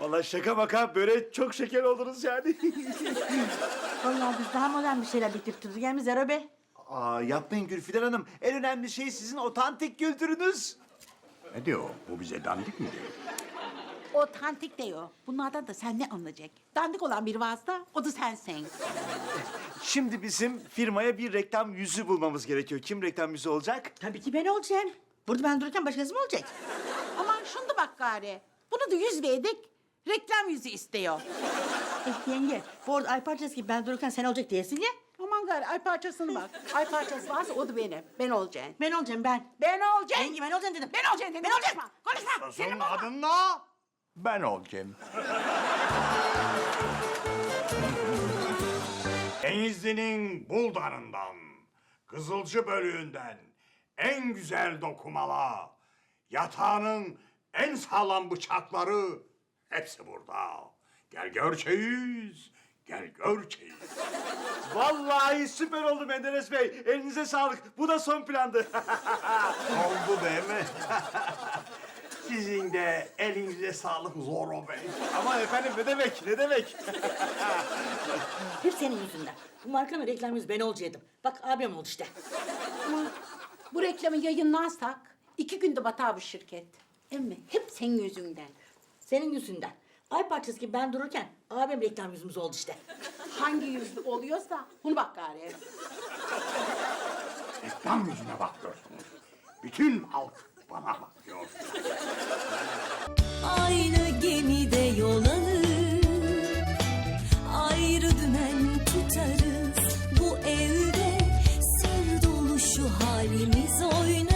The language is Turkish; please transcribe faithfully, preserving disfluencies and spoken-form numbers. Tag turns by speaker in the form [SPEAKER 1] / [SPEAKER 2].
[SPEAKER 1] Vallahi şaka maka böyle çok şeker oldunuz yani.
[SPEAKER 2] Vallahi biz daha modern bir şeyler bitirtiriz. Gelmiş Zero Bey.
[SPEAKER 1] Aa, yapmayın Gülfidan Hanım. En önemli şey sizin otantik kültürünüz.
[SPEAKER 3] Ne diyor? Bu bize dandik mi diyor?
[SPEAKER 2] Otantik diyor. Bunlardan da sen ne anlayacak? Dandik olan bir vasıta, o da sensin.
[SPEAKER 1] Şimdi bizim firmaya bir reklam yüzü bulmamız gerekiyor. Kim reklam yüzü olacak?
[SPEAKER 2] Tabii ki ben olacağım. Burada ben dururken başkası mı olacak? Aman şunu da bak gari. Bunu da yüz verdik. Reklam yüzü istiyor. Eh yenge, bu arada ay parçası gibi ben dururken sen olacak diyesin ya. Aman gari ay parçasını bak. Ay parçası varsa o da benim. Ben olacağım. Ben olacağım ben. Ben olacağım. Yenge ben olacağım dedim. Ben olacağım dedim. Ben olacağım. Konuşma. Senin
[SPEAKER 3] Son
[SPEAKER 2] olma.
[SPEAKER 3] adınla ben olacağım. Denizli'nin Buldan'ından, Kızılcı bölüğünden en güzel dokumalar, yatağının en sağlam bıçakları hepsi burada. Gel gör çeyiz, gel gör çeyiz.
[SPEAKER 1] Vallahi süper oldu Menderes Bey. Elinize sağlık. Bu da son plandı.
[SPEAKER 3] Oldu değil mi? Sizin de elinize sağlık Zorro Bey.
[SPEAKER 1] Ama efendim ne demek, ne demek?
[SPEAKER 2] Hep senin yüzünden. Bu markanın reklam yüzü ben olacaktım. Bak abim oldu işte.
[SPEAKER 4] Ama bu reklamı yayınlarsak iki günde batar bu şirket. Emmi hep senin yüzünden.
[SPEAKER 2] Senin yüzünden. Ay parçası gibi ben dururken abim reklam yüzümüz oldu işte.
[SPEAKER 4] Hangi yüzlü oluyorsa bunu bak gari.
[SPEAKER 3] Reklam yüzüne bakıyorsunuz. Bütün halk bana bakıyor.
[SPEAKER 5] Aynı gemide yol alır, ayrı dümen tutarız. Bu evde sır dolu şu halimiz oynar.